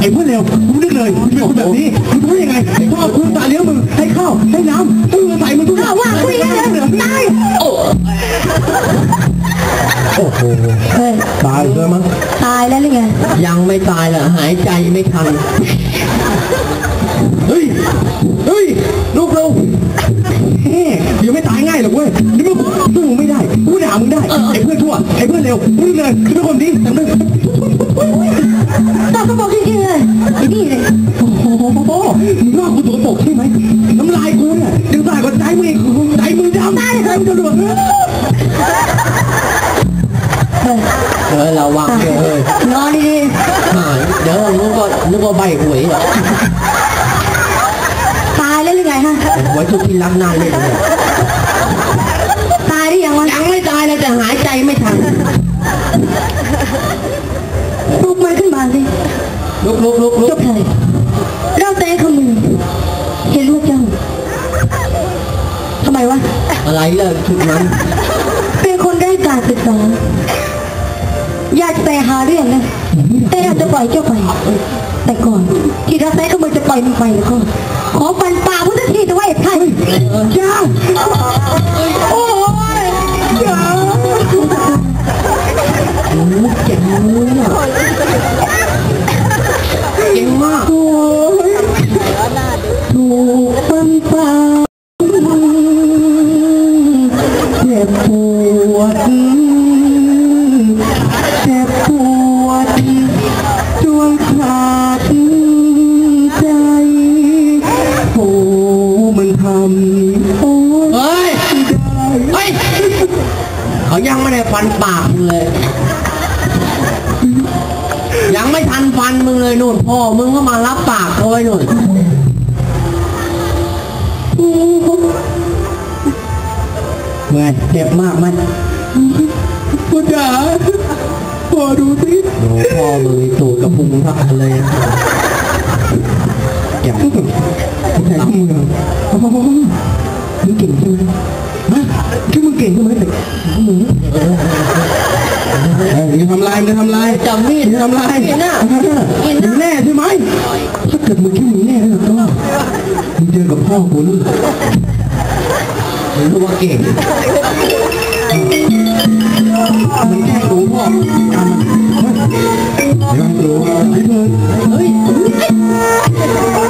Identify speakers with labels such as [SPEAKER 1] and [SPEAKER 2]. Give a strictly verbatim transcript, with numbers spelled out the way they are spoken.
[SPEAKER 1] ไอ้เพื่อนเร็วมึงนึกเลยมึงเป็นคนแบบนี้มึงทำยังไงพ่อคุณตาเลี้ยงมึงให้ข้าวให้น้ำตื่นใส่มึงทุกอย่างว่าคุยกันเลยตายโอ้โหตายเลยมั้ง
[SPEAKER 2] ตายแล้วหรือไง
[SPEAKER 3] ยังไม่ตายเหรอหายใจไม่ทัน
[SPEAKER 1] เฮ้ยเฮ้ยลูกเราเฮ้ยยังไม่ตายง่ายหรอกเว้ยนี่มึงสู้มึงไม่ได้กูด่ามึงได้ไอ้เพื่อนชั่วไอ้เพื่อนเร็วมึงเลยคือคนดีแต่มึง
[SPEAKER 2] ตาก็บอกจริงๆเลยนี่เลย
[SPEAKER 1] โอ้โหมึงว่ากูตัวปกใช่ไหมน้ำลายกูเนี่ยยังตายกว่าใจมึงอีกใจมึงดำได้เลยมึงจะหลุด
[SPEAKER 3] เออเราวางเลย
[SPEAKER 2] นอนดี
[SPEAKER 3] ๆหายเดี๋ยวนึกว่านึกว่าใบหวยเหรอ
[SPEAKER 2] ตายแล้วหรือไงฮะ
[SPEAKER 3] ไว้ทุกที่รักนานเลย
[SPEAKER 2] ตายหรือยังวะ
[SPEAKER 3] ยังไม่ตายเลยแต่หายใจไม่ทัน
[SPEAKER 2] ลุกมาขึ้นมาสิ
[SPEAKER 3] ลุกลุกลุกลุก
[SPEAKER 2] จบเลยเราแต่ขมือเห็นว่าเจ้าทำไมวะ
[SPEAKER 3] อะไรเลยชุดนั้น
[SPEAKER 2] เป็นคนได้การศึกษาอยากแต่หาเรื่องนะแต่อยากจะปล่อยเจ้าไปแต่ก่อนที่เราแต่ขมือจะปล่อยมึงไปแล้วก็ขอฟันปากพุทธทีจะไว้ใคร
[SPEAKER 1] จ้าโอ้ยจ้า
[SPEAKER 3] เก่งมากเก่งมาก
[SPEAKER 1] โอ้ยถูกฟันปากเจ็บปวดเจ็บปวดจวงขาดใจโอ้มันทำโอ้
[SPEAKER 3] เฮ้ยเฮ้ยเขายังไม่ได้ฟันปากเลยยังไม่ทันฟันมึงเลยนู่นพ่อมึงก็มารับปากเขาไว้นู่น
[SPEAKER 1] เมื่อเจ็บมากมันพ่อจ๋าพ่อดูสิ
[SPEAKER 3] โอ้พ่อมึงตูดกระพุ้งทักเลย
[SPEAKER 1] เจ็บใช่มือมึงเก่งใช่ไหมฮะแค่มึงเก่งใช่ไหมแต่มึงมึงทำลายมึงทำลาย
[SPEAKER 3] จำมีด
[SPEAKER 1] มึงทำลาย
[SPEAKER 3] มึง
[SPEAKER 1] แน่ใช่ไหมถ้าเกิดมึงคิดมึงแน่แล้วก็มึงเจอกับพ่อกูนู่น
[SPEAKER 3] มึงรู้ว่าเก่ง
[SPEAKER 1] มึงแค่รู้พ่อเดี๋ยวรู้ไอ้เพื่อนเฮ้ย